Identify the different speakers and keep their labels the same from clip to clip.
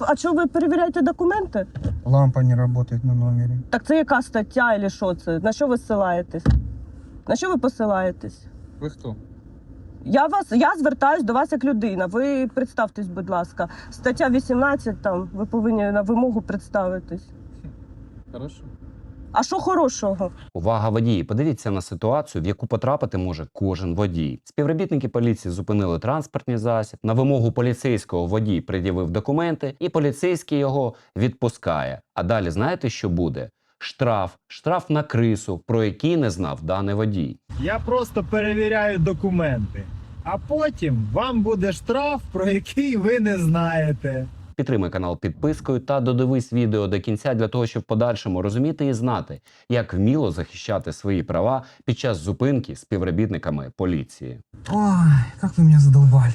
Speaker 1: а чого ви перевіряєте документи?
Speaker 2: Лампа не работает на номере.
Speaker 1: Так це яка стаття або що це? На що ви ссилаєтесь? На що ви посилаєтесь?
Speaker 3: Ви хто?
Speaker 1: Я звертаюсь до вас як людина. Ви представтесь, будь ласка. Стаття 18, там, ви повинні на вимогу представитись.
Speaker 3: Хорошо.
Speaker 1: А що хорошого?
Speaker 4: Увага, водії! Подивіться на ситуацію, в яку потрапити може кожен водій. Співробітники поліції зупинили транспортний засіб. На вимогу поліцейського водій пред'явив документи, і поліцейський його відпускає. А далі знаєте, що буде? Штраф на крису, про який не знав даний водій.
Speaker 5: Я просто перевіряю документи, а потім вам буде штраф, про який ви не знаєте.
Speaker 4: Підтримай канал підпискою та додивись відео до кінця для того, щоб в подальшому розуміти і знати, як вміло захищати свої права під час зупинки з співробітниками поліції.
Speaker 2: Ой, как вы меня задолбали.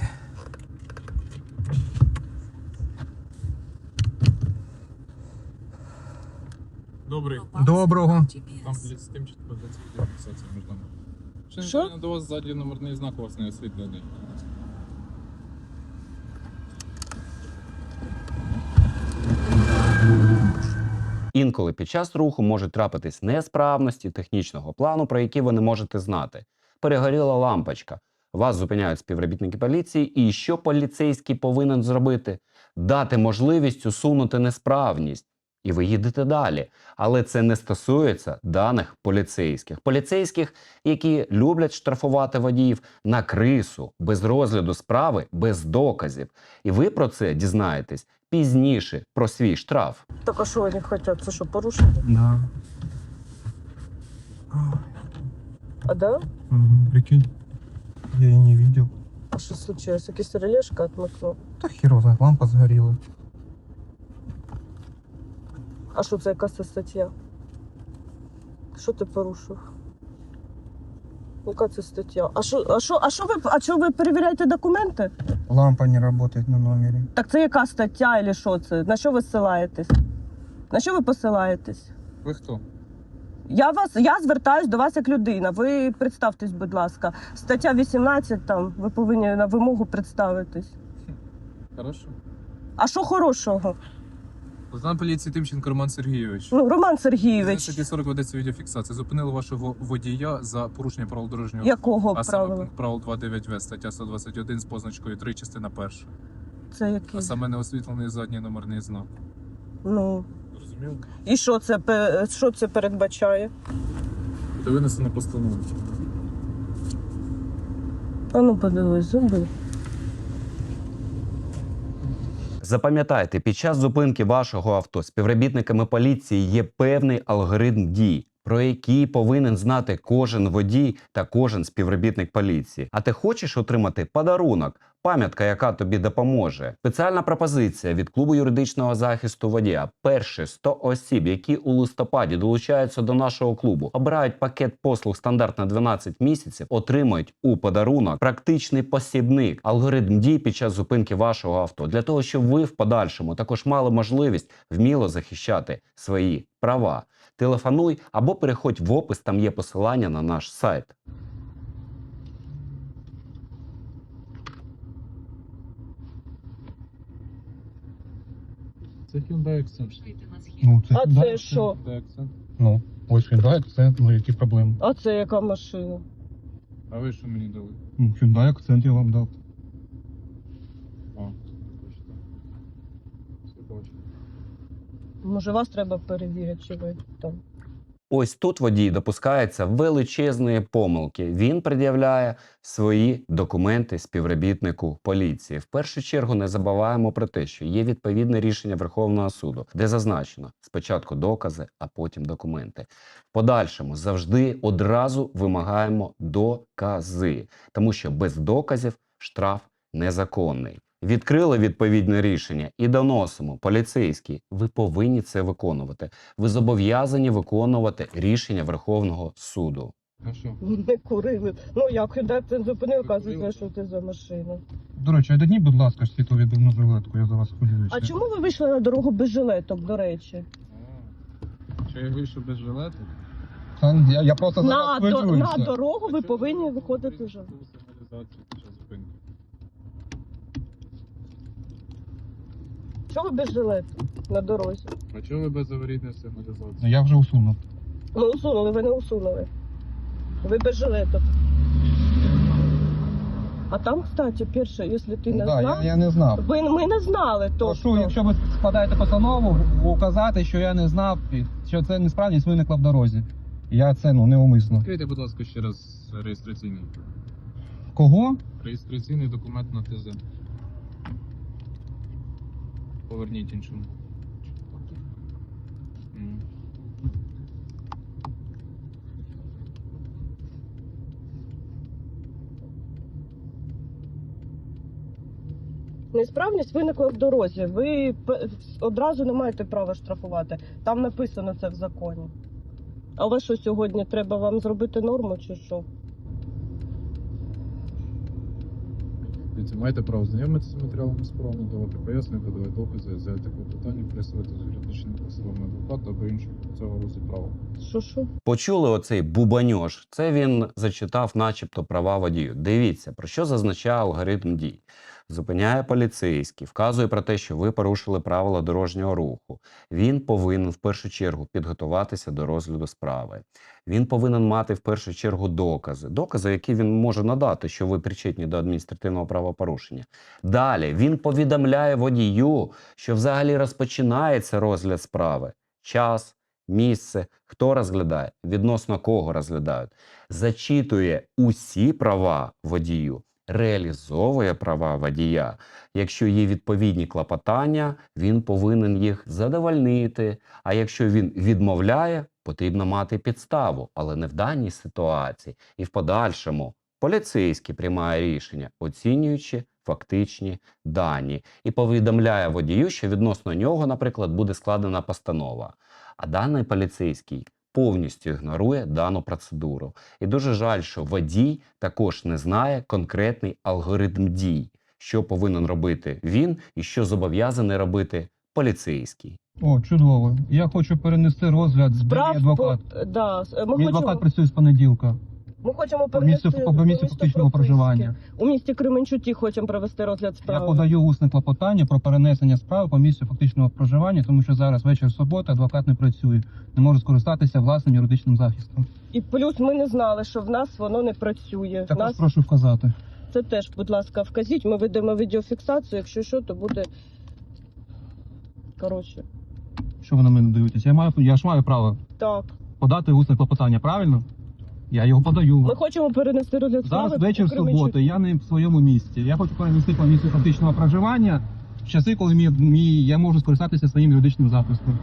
Speaker 3: Добрий.
Speaker 2: Доброго.
Speaker 3: Там з тим, що ведеться відеофіксація між нами.
Speaker 1: Що?
Speaker 3: Що? До вас ззаді номерний знак у вас не освітлений.
Speaker 4: Інколи під час руху можуть трапитись несправності технічного плану, про які ви не можете знати. Перегоріла лампочка. Вас зупиняють співробітники поліції, і що поліцейський повинен зробити? Дати можливість усунути несправність. І ви їдете далі. Але це не стосується даних поліцейських. Поліцейських, які люблять штрафувати водіїв на крису, без розгляду справи, без доказів. І ви про це дізнаєтесь пізніше, про свій штраф.
Speaker 1: Так а що вони хочуть? Це що, порушення?
Speaker 2: Да.
Speaker 1: А да?
Speaker 2: Прикинь. Я и не видел.
Speaker 1: А що случилось? Якийсь релешка отмикнув?
Speaker 2: Да хер его знает, лампа сгорела.
Speaker 1: А що це якась стаття? Що ти порушив? Яка це стаття? А чого ви перевіряєте документи?
Speaker 2: Лампа не работает на номере.
Speaker 1: Так це яка стаття або що це? На що ви ссилаєтесь? На що ви посилаєтесь?
Speaker 3: Ви хто?
Speaker 1: Я звертаюсь до вас як людина. Ви представтесь, будь ласка. Стаття 18, там, ви повинні на вимогу представитись.
Speaker 3: Хорошо.
Speaker 1: А що хорошого?
Speaker 3: Лейтенант поліції Тимченко Роман Сергійович.
Speaker 1: Ну, Роман Сергійович,
Speaker 3: Статті 40 ведеться відеофіксація. Зупинили вашого водія за порушення правил дорожнього руху.
Speaker 1: якого
Speaker 3: А саме
Speaker 1: правила?
Speaker 3: пункт правил 2.9в, стаття 121 з позначкою 3, частина 1.
Speaker 1: Це який?
Speaker 3: А саме неосвітлений задній номерний знак.
Speaker 1: Ну,
Speaker 3: Зрозуміло?
Speaker 1: і що це передбачає?
Speaker 3: Буде винесено постанову.
Speaker 1: А ну подивись, зуби.
Speaker 4: Запам'ятайте, під час зупинки вашого авто співробітниками поліції є певний алгоритм дій, про який повинен знати кожен водій та кожен співробітник поліції. А ти хочеш отримати подарунок, пам'ятка, яка тобі допоможе? Спеціальна пропозиція від клубу юридичного захисту водія. Перші 100 осіб, які у листопаді долучаються до нашого клубу, обирають пакет послуг стандарт на 12 місяців, отримують у подарунок практичний посібник, алгоритм дій під час зупинки вашого авто, для того, щоб ви в подальшому також мали можливість вміло захищати свої права. Телефонуй або переходь в опис, там є посилання на наш сайт.
Speaker 3: Це Hyundai Accent.
Speaker 2: Ну,
Speaker 1: А це що?
Speaker 3: Hyundai Accent.
Speaker 2: Ну, ось Hyundai Accent, ну які проблеми?
Speaker 1: А це яка машина?
Speaker 3: А ви що мені дали?
Speaker 2: Ну, Hyundai Accent я вам дав.
Speaker 3: А, точно. Все бачу.
Speaker 1: Може, вас треба перевірити, чи ви там?
Speaker 4: Ось тут водій допускається величезної помилки. Він пред'являє свої документи співробітнику поліції. В першу чергу не забуваємо про те, що є відповідне рішення Верховного суду, де зазначено спочатку докази, а потім документи. В подальшому завжди одразу вимагаємо докази, тому що без доказів штраф незаконний. Відкрили відповідне рішення і доносимо. Поліцейські, ви повинні це виконувати. Ви зобов'язані виконувати рішення Верховного суду.
Speaker 3: А що?
Speaker 1: Не курили. Ну як, це зупинив, кажуть, що це за машина.
Speaker 2: До речі, дадіть, будь ласка, світловідбивну жилетку, я за вас хвилююся.
Speaker 1: А чому ви вийшли на дорогу без жилеток, до речі?
Speaker 3: Чи я вийшов без жилету?
Speaker 2: Я просто за вас хвилююся.
Speaker 1: На дорогу ви повинні виходити вже.
Speaker 3: Сигналізацію під час зупинки.
Speaker 1: Чого ви без жилету на дорозі?
Speaker 3: А чого ви без аварійної сигналізації?
Speaker 2: Ну я вже усунув.
Speaker 1: Ну, усунули, ви не усунули. Ви без жилету. А там, кстати, перше, якщо ти не
Speaker 2: Да,
Speaker 1: знав,
Speaker 2: я не знав.
Speaker 1: ми не знали
Speaker 2: Прошу,
Speaker 1: точно.
Speaker 2: якщо ви складаєте постанову, указати, що я не знав, що це несправність виникла в дорозі. Я це неумисно.
Speaker 3: Відкрийте, будь ласка, ще раз реєстраційний.
Speaker 2: Кого?
Speaker 3: Реєстраційний документ на ТЗ. Поверніть іншому. М.
Speaker 1: Несправність виникла в дорозі. Ви одразу не маєте права штрафувати. Там написано це в законі. А ви що сьогодні, треба вам зробити норму чи що?
Speaker 3: Дивіться, маєте право знайомитися з матеріалами справи, давати пояснення, давати докази, взяти клопотання, присувати з юридичними посилами адвоката або іншого цього розі права.
Speaker 1: Що?
Speaker 4: Почули оцей бубаньош? Це він зачитав начебто права водію. Дивіться, про що зазначає алгоритм дій. Зупиняє поліцейський, вказує про те, що ви порушили правила дорожнього руху. Він повинен в першу чергу підготуватися до розгляду справи. Він повинен мати в першу чергу докази, які він може надати, що ви причетні до адміністративного правопорушення. Далі він повідомляє водію, що взагалі розпочинається розгляд справи. Час, місце, хто розглядає, відносно кого розглядають. Зачитує усі права водію, реалізовує права водія. Якщо є відповідні клопотання, він повинен їх задовольнити. А якщо він відмовляє, потрібно мати підставу, але не в даній ситуації. І в подальшому поліцейський приймає рішення, оцінюючи фактичні дані. І повідомляє водію, що відносно нього, наприклад, буде складена постанова. А даний поліцейський повністю ігнорує дану процедуру. І дуже жаль, що водій також не знає конкретний алгоритм дій, що повинен робити він і що зобов'язаний робити поліцейський.
Speaker 2: О, чудово. Я хочу перенести розгляд з
Speaker 1: Справ
Speaker 2: адвокат.
Speaker 1: Да,
Speaker 2: Мій адвокат працює з понеділка.
Speaker 1: ми хочемо
Speaker 2: По місцю фактичного проживання.
Speaker 1: У місті Кременчуті хочемо провести розгляд
Speaker 2: Я
Speaker 1: справи.
Speaker 2: подаю усне клопотання про перенесення справи по місцю фактичного проживання, тому що зараз вечір суботи, адвокат не працює. Не може скористатися власним юридичним захистом.
Speaker 1: І плюс ми не знали, що в нас воно не працює. В
Speaker 2: Також
Speaker 1: нас
Speaker 2: прошу вказати.
Speaker 1: це теж, будь ласка, вказіть. Ми ведемо відеофіксацію. Якщо що, то буде. Коротше,
Speaker 2: Що ви на мене дивитесь? Я ж маю право
Speaker 1: так.
Speaker 2: подати усне клопотання, правильно? Я його подаю.
Speaker 1: Ми хочемо перенести розгляд справи.
Speaker 2: Зараз вечір
Speaker 1: у Кременчуті.
Speaker 2: суботи, я не в своєму місті. Я хочу перенести по місцю фактичного проживання в часи, коли я можу скористатися своїм юридичним захистом.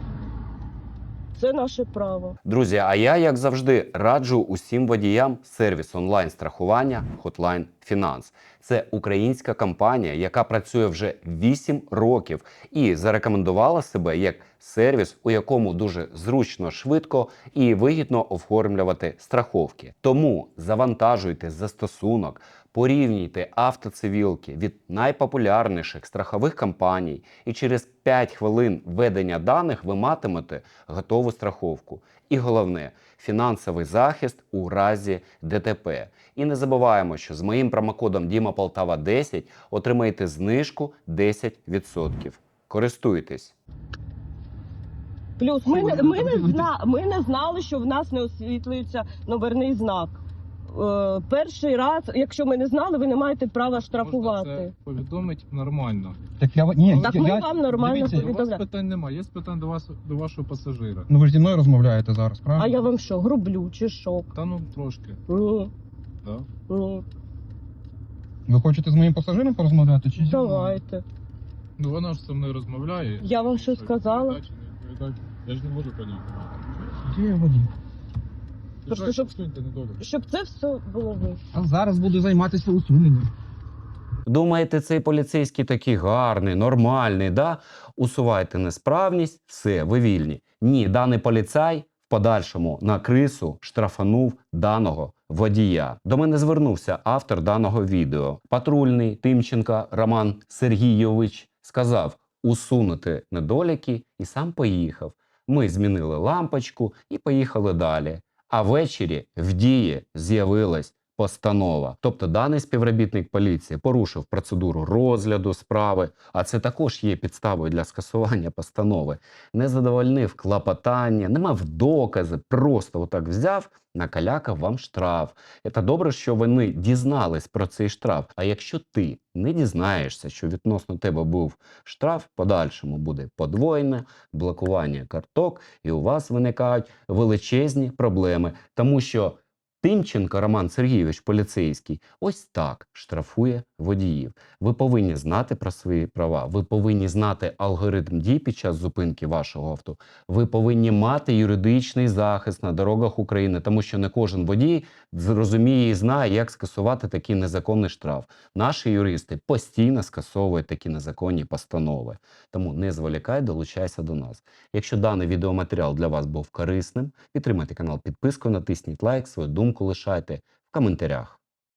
Speaker 1: Це наше право.
Speaker 4: Друзі, а я, як завжди, раджу усім водіям сервіс онлайн-страхування Hotline Finance. Це українська компанія, яка працює вже 8 років і зарекомендувала себе як сервіс, у якому дуже зручно, швидко і вигідно оформлювати страховки. Тому завантажуйте застосунок, порівнюйте автоцивілки від найпопулярніших страхових компаній, і через 5 хвилин введення даних ви матимете готову страховку. І головне – фінансовий захист у разі ДТП. І не забуваємо, що з моїм промокодом DIMAPOLTAVA10 отримаєте знижку 10%. Користуйтесь!
Speaker 1: Плюс ми не знали, що в нас не освітлюється номерний знак. Перший раз, якщо ми не знали, ви не маєте права
Speaker 3: Можна
Speaker 1: штрафувати.
Speaker 3: це повідомити нормально.
Speaker 2: Так ми
Speaker 1: вам нормально
Speaker 2: дивіться,
Speaker 3: У вас
Speaker 1: повідомляю.
Speaker 3: питань немає, є питань до вашого пасажира.
Speaker 2: Ну ви ж зі мною розмовляєте зараз, правильно?
Speaker 1: А я вам що, грублю чи що?
Speaker 3: Та ну трошки.
Speaker 1: Ні,
Speaker 3: Да?
Speaker 1: ні.
Speaker 2: Ви хочете з моїм пасажиром порозмовляти? Чи зі мною?
Speaker 1: Давайте.
Speaker 3: Ну вона ж зі мною розмовляє.
Speaker 1: Я вам що сказала?
Speaker 3: Відповідати чи не відповідати? Я ж не можу поняти.
Speaker 2: Де я водій?
Speaker 1: Просто, щоб-
Speaker 3: Суньте недолік.
Speaker 1: Щоб це все було ви.
Speaker 2: А зараз буду займатися усуненням.
Speaker 4: Думаєте, цей поліцейський такий гарний, нормальний, да? Усувайте несправність, все, ви вільні. Ні, даний поліцай в подальшому на крису штрафанув даного водія. До мене звернувся автор даного відео. Патрульний Тимченко Роман Сергійович сказав усунути недоліки і сам поїхав. Ми змінили лампочку і поїхали далі. А ввечері в дії з'явилась постанова. Тобто даний співробітник поліції порушив процедуру розгляду справи, а це також є підставою для скасування постанови. Не задовольнив клопотання, не мав докази, просто отак взяв, накалякав вам штраф. Це добре, що вони дізнались про цей штраф. А якщо ти не дізнаєшся, що відносно тебе був штраф, в подальшому буде подвоєне блокування карток, і у вас виникають величезні проблеми, тому що Тимченко Роман Сергійович, поліцейський, ось так штрафує водіїв. Ви повинні знати про свої права, ви повинні знати алгоритм дій під час зупинки вашого авто, ви повинні мати юридичний захист на дорогах України, тому що не кожен водій зрозуміє і знає, як скасувати такий незаконний штраф. Наші юристи постійно скасовують такі незаконні постанови. Тому не зволікай, долучайся до нас. Якщо даний відеоматеріал для вас був корисним, підтримайте канал підпискою, натисніть лайк, свою думку лишайте в коментарях.